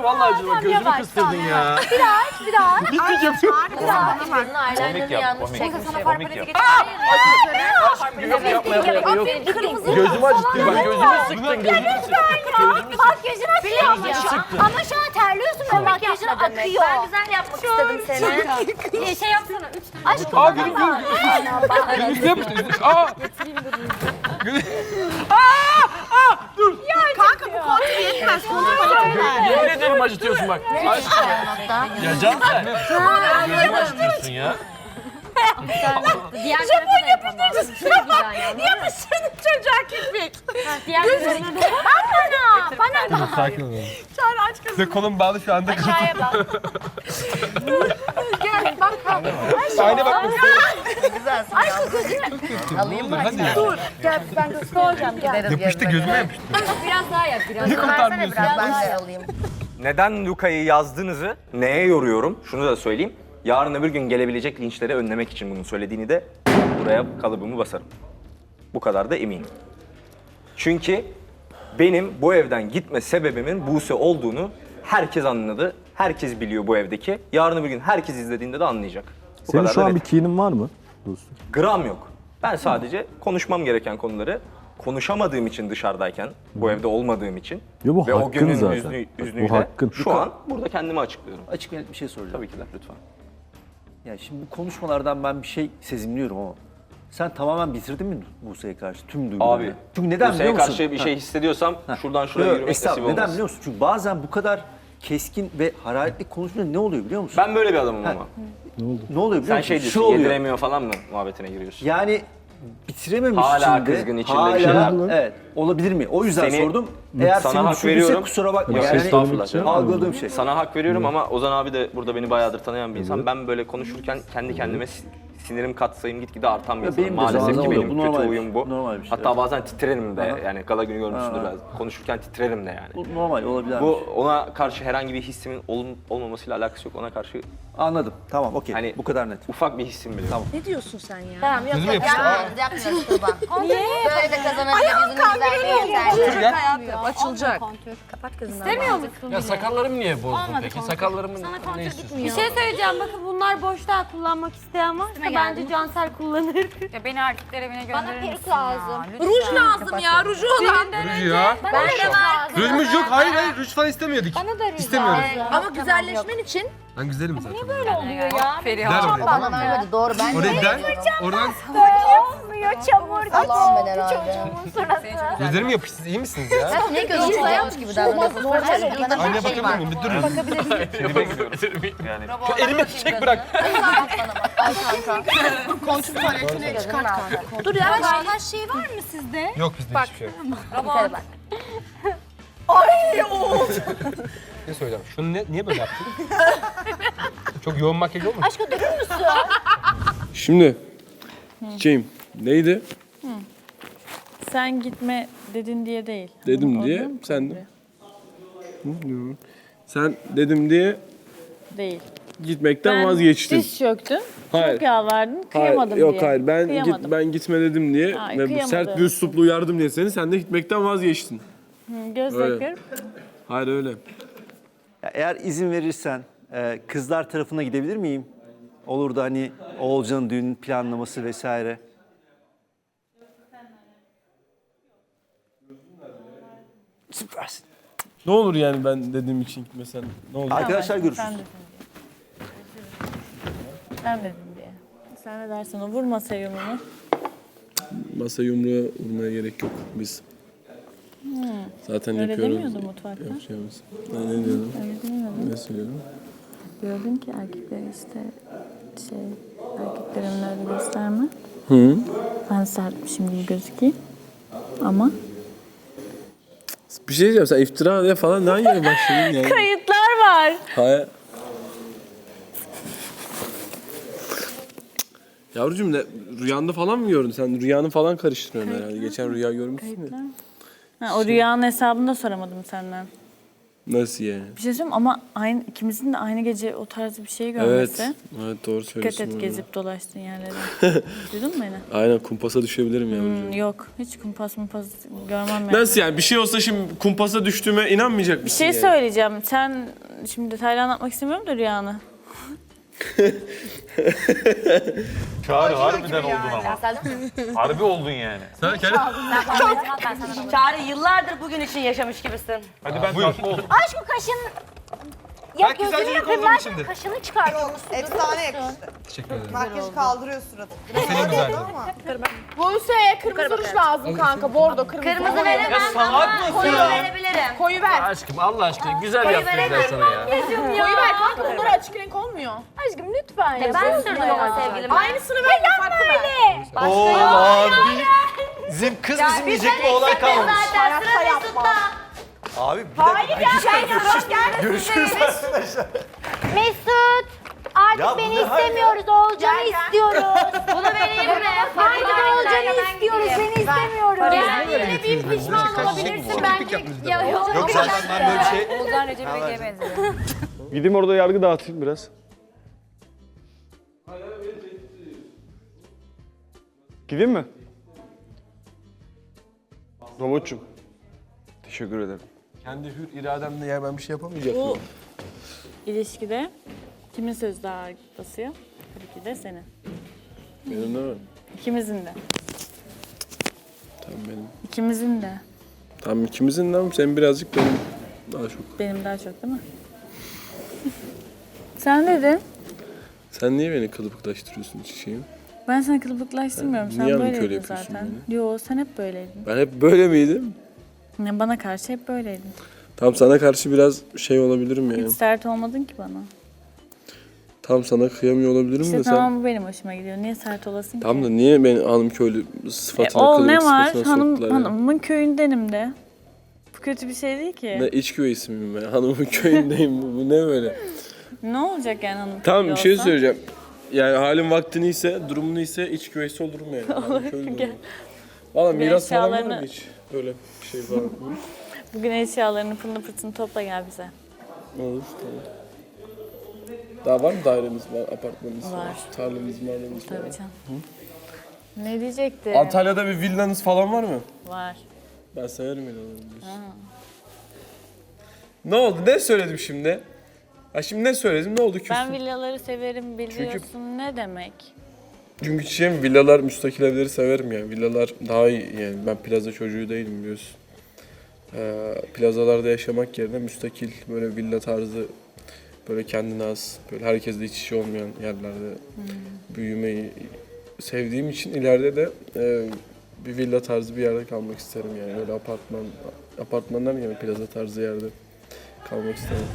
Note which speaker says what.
Speaker 1: vallahi acıma. Gözümü kıstırdın ya.
Speaker 2: Bir daha.
Speaker 1: Bitmeyeceğim.
Speaker 3: Komik yap, komik. Komik yap.
Speaker 1: Gözümü acıttın bak. Gözümü sıktın.
Speaker 2: Makyajın akıyor ama şu an terliyorsun ve makyajın akıyor.
Speaker 4: Ben güzel yapmak istedim seni.
Speaker 2: Şey yapsana. Aşkım.
Speaker 1: Aa gülüm üstüne yapıştı. Aa. Dur.
Speaker 5: Kanka bu kontrol yetmez.
Speaker 1: Yemin ederim acıtıyorsun bak. Aşkım. Ya Cansel. Gözümü acıtıyorsun ya.
Speaker 4: Diğer tarafı da yapamam. Çok güzel yani.
Speaker 5: Yapıştırdım çocuğa kirpik.
Speaker 4: Diğer tarafı
Speaker 2: Bana.
Speaker 1: Sakin ol.
Speaker 5: Çağrı aç kızım.
Speaker 1: Size kolum bağlı şu anda.
Speaker 2: Aşağıya bak.
Speaker 5: Gel bak.
Speaker 1: Aynı bak.
Speaker 2: Aşkım gözünü.
Speaker 3: Alayım mı?
Speaker 1: Hadi.
Speaker 5: Dur. Gel ben göstereceğim. Gel.
Speaker 1: Yapıştı gözüme yapıştı.
Speaker 4: biraz daha yap. Biraz
Speaker 1: Niye
Speaker 4: daha.
Speaker 1: kurtarmıyorsun?
Speaker 3: Ben de alayım.
Speaker 6: Neden Luka'yı yazdığınızı neye yoruyorum? Şunu da söyleyeyim. Yarın öbür gün gelebilecek linçleri önlemek için bunu söylediğini de buraya kalıbımı basarım. Bu kadar da eminim. Çünkü benim bu evden gitme sebebimin Buse olduğunu herkes anladı. Herkes biliyor bu evdeki. Yarın öbür gün herkes izlediğinde de anlayacak. Bu
Speaker 7: Senin
Speaker 6: kadar
Speaker 7: şu
Speaker 6: da
Speaker 7: an bir
Speaker 6: net.
Speaker 7: kinin var mı? Dostum.
Speaker 6: Gram yok. Ben sadece konuşmam gereken konuları konuşamadığım için dışarıdayken, bu evde olmadığım için
Speaker 7: Yo, bu
Speaker 6: ve o
Speaker 7: hakkın
Speaker 6: günün
Speaker 7: zaten. Bak,
Speaker 6: üznüyle
Speaker 7: bu hakkın.
Speaker 6: şu an burada kendimi açıklıyorum.
Speaker 8: Açık ve net bir şey soracağım.
Speaker 6: Tabii ki de lütfen.
Speaker 8: Yani şimdi bu konuşmalardan ben bir şey sezimliyorum ama sen tamamen bitirdin mi Buse'ye karşı tüm duygularını?
Speaker 6: Abi,
Speaker 8: Çünkü neden
Speaker 6: Buse'ye
Speaker 8: biliyor musun?
Speaker 6: karşı bir şey hissediyorsam şuradan şuraya
Speaker 8: Yok,
Speaker 6: yürümek nasip
Speaker 8: estağfurullah.
Speaker 6: olmaz.
Speaker 8: Neden biliyor musun? Çünkü bazen bu kadar keskin ve hararetli konuşunca ne oluyor biliyor musun?
Speaker 6: Ben böyle bir adamım ama.
Speaker 8: Ne oluyor biliyor
Speaker 6: Sen
Speaker 8: musun?
Speaker 6: şey
Speaker 8: Şu
Speaker 6: diyorsun,
Speaker 8: oluyor.
Speaker 6: yediremiyor falan mı muhabbetine giriyorsun?
Speaker 8: Yani bitirememiş
Speaker 6: Hala
Speaker 8: içinde.
Speaker 6: kızgın, içinde bir şeyler var.
Speaker 8: Evet. Olabilir mi? O yüzden
Speaker 6: Seni-
Speaker 8: sordum. Eğer
Speaker 6: sana
Speaker 8: seni
Speaker 6: hak
Speaker 8: düşündüyse
Speaker 6: veriyorum.
Speaker 8: kusura bakma.
Speaker 6: Yok,
Speaker 8: Yani
Speaker 6: estağfurullah canım.
Speaker 8: algıladığım şey.
Speaker 6: Sana hak veriyorum ama Ozan abi de burada beni bayağıdır tanıyan bir insan. Ben böyle konuşurken kendi kendime sinirim katsayım gitgide artan bir
Speaker 8: Ya
Speaker 6: insanım.
Speaker 8: benim de
Speaker 6: Maalesef
Speaker 8: zamanla
Speaker 6: ki
Speaker 8: oluyor.
Speaker 6: benim
Speaker 8: Bu
Speaker 6: kötü
Speaker 8: normal bir
Speaker 6: huyum
Speaker 8: şey.
Speaker 6: bu.
Speaker 8: Normal bir şey,
Speaker 6: Hatta
Speaker 8: evet.
Speaker 6: bazen titrerim de
Speaker 8: Aha.
Speaker 6: yani gala günü görmüşsündür
Speaker 8: Aha.
Speaker 6: biraz. Konuşurken titrerim de yani.
Speaker 8: Bu normal olabilir.
Speaker 6: Bu ona karşı herhangi bir hissimin olmamasıyla alakası yok. Ona karşı
Speaker 8: Anladım. Tamam okey.
Speaker 6: Hani-
Speaker 8: Bu kadar net.
Speaker 6: ufak bir hissim bile.
Speaker 8: Tamam.
Speaker 5: Ne diyorsun sen ya?
Speaker 4: Tamam yok
Speaker 1: Gözüme
Speaker 4: yok.
Speaker 1: yapıştı.
Speaker 3: Yapmıyoruz Tuğba. Böyle de kazanabilir. Yüzünü güzel değil.
Speaker 5: Açılacak.
Speaker 4: Kapat kızını.
Speaker 2: İstemiyor musun?
Speaker 1: Ya sakallarımı niye bozdun peki? Sakallarımın ne istiyorsun?
Speaker 2: Bir şey söyleyeceğim. Bakın bunlar boş daha kullanmak isteyen varsa bence Cansel kullanır.
Speaker 4: Ya beni erkekler evine gönderir
Speaker 2: Bana peruk
Speaker 4: misin
Speaker 2: lazım.
Speaker 4: ya? Lütfen.
Speaker 5: Ruj lazım ya. Ruju olan.
Speaker 1: Ruj ya.
Speaker 2: Bana da var.
Speaker 1: Ruj yok. Hayır. Ruj falan istemiyorduk.
Speaker 2: Bana da ruj
Speaker 1: İstemiyorum.
Speaker 2: lazım.
Speaker 5: Ama güzelleşmen için
Speaker 1: Ben güzelim zaten.
Speaker 2: Böyle oluyor ya.
Speaker 1: Der oraya.
Speaker 3: Bana vermedi doğru ben de
Speaker 1: Oraya der. Oradan
Speaker 2: Olmuyor çamur.
Speaker 3: Allah'ım ben herhalde.
Speaker 2: Çocuğumun suratı.
Speaker 1: gözlerim yapıştı. İyi misiniz ya?
Speaker 3: Ne gözünüz yapmış gibi davranıyorsun. Bana
Speaker 1: Aynaya
Speaker 3: bir şey
Speaker 1: bakabilir
Speaker 3: var.
Speaker 1: miyim? Bir durun. Seni bekliyorum. Yani. Şu elime çiçek bırak.
Speaker 3: Al kanka.
Speaker 5: kontrol tuvaletine çıkart kanka.
Speaker 2: Dur ya taş şey var mı sizde?
Speaker 1: Yok bizde hiçbir şey yok.
Speaker 3: Robot.
Speaker 1: Ne söyleyeceğim? Şunu niye böyle yaptın? Çok yoğun makyaj olmadı.
Speaker 2: Aşkım durur musun?
Speaker 9: Şimdi çiçeğim neydi?
Speaker 10: Sen gitme dedin diye değil.
Speaker 9: Dedim
Speaker 10: Onu
Speaker 9: diye
Speaker 10: oradan
Speaker 9: sen de.
Speaker 10: komple.
Speaker 9: Sen dedim diye
Speaker 10: Değil.
Speaker 9: gitmekten vazgeçtin.
Speaker 10: Diz çöktün.
Speaker 9: Hayır.
Speaker 10: Çok yalvardın.
Speaker 9: Hayır,
Speaker 10: Kıyamadım
Speaker 9: yok
Speaker 10: diye.
Speaker 9: hayır ben
Speaker 10: Kıyamadım.
Speaker 9: ben gitme dedim diye
Speaker 10: Ay,
Speaker 9: ve bu
Speaker 10: kıyamadım.
Speaker 9: sert bir üslupla uyardım diye sen de gitmekten vazgeçtin.
Speaker 10: Göz
Speaker 9: Öyle.
Speaker 10: takıyorum.
Speaker 9: Hayır öyle.
Speaker 8: Ya eğer izin verirsen kızlar tarafına gidebilir miyim? Olur da hani Oğulcan'ın düğün planlaması vesaire. Süpersin.
Speaker 9: Ne olur yani ben dediğim için gitmesen ne olur?
Speaker 8: Arkadaşlar görüşürüz.
Speaker 10: Sen dedin diye. Sen dedin diye. Sen ne dersen o vurma sevimini.
Speaker 9: Masa yumruğa vurmaya gerek yok biz. Zaten
Speaker 10: Öyle
Speaker 9: yapıyoruz.
Speaker 10: demiyordun mutfakta.
Speaker 9: Yapacağımız. Ben ne diyordum?
Speaker 10: Öyle demiyordun.
Speaker 9: Ne söylüyorum?
Speaker 10: Diyordun ki erkekler işte erkeklerin öyle gösterme.
Speaker 9: Hı.
Speaker 10: Ben sertmişim gibi gözükeyim. Ama
Speaker 9: Bir şey diyeceğim sen iftira diye falan ne yere başladın yani?
Speaker 10: kayıtlar var.
Speaker 9: Hayır. Yavrucuğum ne rüyanda falan mı gördün? Sen rüyanı falan karıştırıyorsun herhalde. Geçen rüya görmüşsün ya.
Speaker 10: Ha, o rüyanın hesabını da soramadım senden.
Speaker 9: Nasıl yani?
Speaker 10: Bir şey söyleyeyim ama aynı, ikimizin de aynı gece o tarz bir şey
Speaker 9: Evet.
Speaker 10: görmesi.
Speaker 9: Evet doğru
Speaker 10: Dikkat
Speaker 9: söylüyorsun.
Speaker 10: et
Speaker 9: orada.
Speaker 10: gezip dolaştığın yerlere. Duydun mu beni?
Speaker 9: Aynen kumpasa düşebilirim yavrucuğum.
Speaker 10: Yok. Hiç kumpas görmem yani.
Speaker 9: Nasıl yani? Bir şey olsa şimdi kumpasa düştüğüme inanmayacak
Speaker 10: Bir
Speaker 9: mısın
Speaker 10: şey
Speaker 9: yani?
Speaker 10: söyleyeceğim. Sen şimdi detaylı anlatmak istemiyorum da rüyanı.
Speaker 1: Çağrı harbiden oldun ama. Harbi oldun yani. Sen kendi...
Speaker 3: Çağrı yıllardır bugün için yaşamış gibisin.
Speaker 1: Hadi ben tatlı oldum.
Speaker 2: Aşkım kaşın... Ya gözünü yapayım ben kaşını çıkartıyormuşsun.
Speaker 7: Efsane yakıştı. Teşekkür ederim. Makyajı kaldırıyor suratı.
Speaker 5: Buse kırmızı ruj lazım kanka. Bordo kırmızı.
Speaker 3: Kırmızı veremem ama koyu verebilirim.
Speaker 5: Koyu ver.
Speaker 1: Aşkım Allah aşkına güzel yaptırdılar sana ya.
Speaker 5: Koyu ver kanka. Bunlar açık renk olmuyor.
Speaker 2: Aşkım lütfen ya.
Speaker 3: Ben sürdüm ama sevgilim.
Speaker 5: Aynısını ver. Farklı ver.
Speaker 6: Oo abi. Bizim kız bizim diyecek bir olay kalmamış.
Speaker 3: Zaten sıra Mesut'ta.
Speaker 6: Abi bir dakika. Görüşürüz.
Speaker 2: Mesut. Artık
Speaker 6: Ya bu
Speaker 2: beni
Speaker 6: ne hal ya?
Speaker 2: istemiyoruz. Oğulcan'ı istiyoruz.
Speaker 3: Bunu vereyim mi?
Speaker 2: Artık Oğulcan'ı istiyoruz. Seni istemiyoruz.
Speaker 3: Yine bir pişman olabilirsin bence.
Speaker 6: Yok zaten ben böyle bir şey...
Speaker 4: Oğuzhan Recep İvedik'e benziyor.
Speaker 9: Gideyim orada yargı dağıtayım biraz. Gideyim mi? Robotçum. Teşekkür ederim. Kendi hür irademle ya ben bir şey yapamayacak
Speaker 10: Bu
Speaker 9: mıyım?
Speaker 10: ilişkide kimin sözü daha ağır basıyor? Tabii ki de senin.
Speaker 9: Benim de mi?
Speaker 10: İkimizin de.
Speaker 9: Tamam benim.
Speaker 10: İkimizin de.
Speaker 9: Tamam ikimizin de ama senin birazcık benim daha çok.
Speaker 10: Benim daha çok değil mi? Sen dedin.
Speaker 9: Sen niye beni kılıbıklaştırıyorsun çiçeğim?
Speaker 10: Ben seni kılıbıklaştırmıyorum. Sen
Speaker 9: Niye ama köle
Speaker 10: böyleydin
Speaker 9: yapıyorsun
Speaker 10: zaten. Yo sen hep böyleydin.
Speaker 9: Ben hep böyle miydim?
Speaker 10: Yani bana karşı hep böyleydin.
Speaker 9: Tam sana karşı biraz şey olabilirim yani.
Speaker 10: Hiç sert olmadın ki bana.
Speaker 9: Tam sana kıyamıyor olabilirim
Speaker 10: İşte
Speaker 9: de sen.
Speaker 10: tamam bu benim hoşuma gidiyor. Niye sert olasın
Speaker 9: Tam
Speaker 10: ki?
Speaker 9: da niye beni hanım köylü sıfatına
Speaker 10: Ol
Speaker 9: kılıbık
Speaker 10: ne var?
Speaker 9: sıfatına soktular ya?
Speaker 10: Hanımın köyündenim de. Bu kötü bir şey değil ki.
Speaker 9: Ne iç güveysi miyim ben? Hanımın köyündeyim bu ne böyle?
Speaker 10: Ne olacak yani hanım
Speaker 9: Tamam
Speaker 10: köylü
Speaker 9: bir şey
Speaker 10: olsa?
Speaker 9: söyleyeceğim. Yani halin vaktini ise, durumunu ise iç güveysi olurum yani. Hanım köylü olurum. Valla
Speaker 10: Bugün
Speaker 9: miras falan var mı
Speaker 10: eşyalarını-
Speaker 9: hiç? Öyle bir şey falan. Hı?
Speaker 10: Bugün eşyalarını pırını pırtını topla gel bize.
Speaker 9: Olur tamam. Daha var mı dairemiz var, apartmanımız var,
Speaker 10: Var.
Speaker 9: tarlamız, marlamız var.
Speaker 10: Tabii canım. Ne diyecektim?
Speaker 9: Antalya'da bir villanız falan var mı?
Speaker 10: Var.
Speaker 9: Ben severim villaları biliyorsun. Ne oldu? Ne söyledim şimdi? Ha şimdi ne söyledim? Ne oldu küstüm?
Speaker 10: Ben villaları severim biliyorsun ne demek?
Speaker 9: Çünkü çiçeğim villalar, müstakil evleri severim yani. Villalar daha iyi yani. Ben plaza çocuğu değilim biliyorsun. Plazalarda yaşamak yerine müstakil böyle villa tarzı böyle kendine az, böyle herkesle iç içe olmayan yerlerde büyümeyi sevdiğim için ileride de bir villa tarzı bir yerde kalmak isterim yani. Öyle apartmandan yani plaza tarzı yerde kalmak isterim.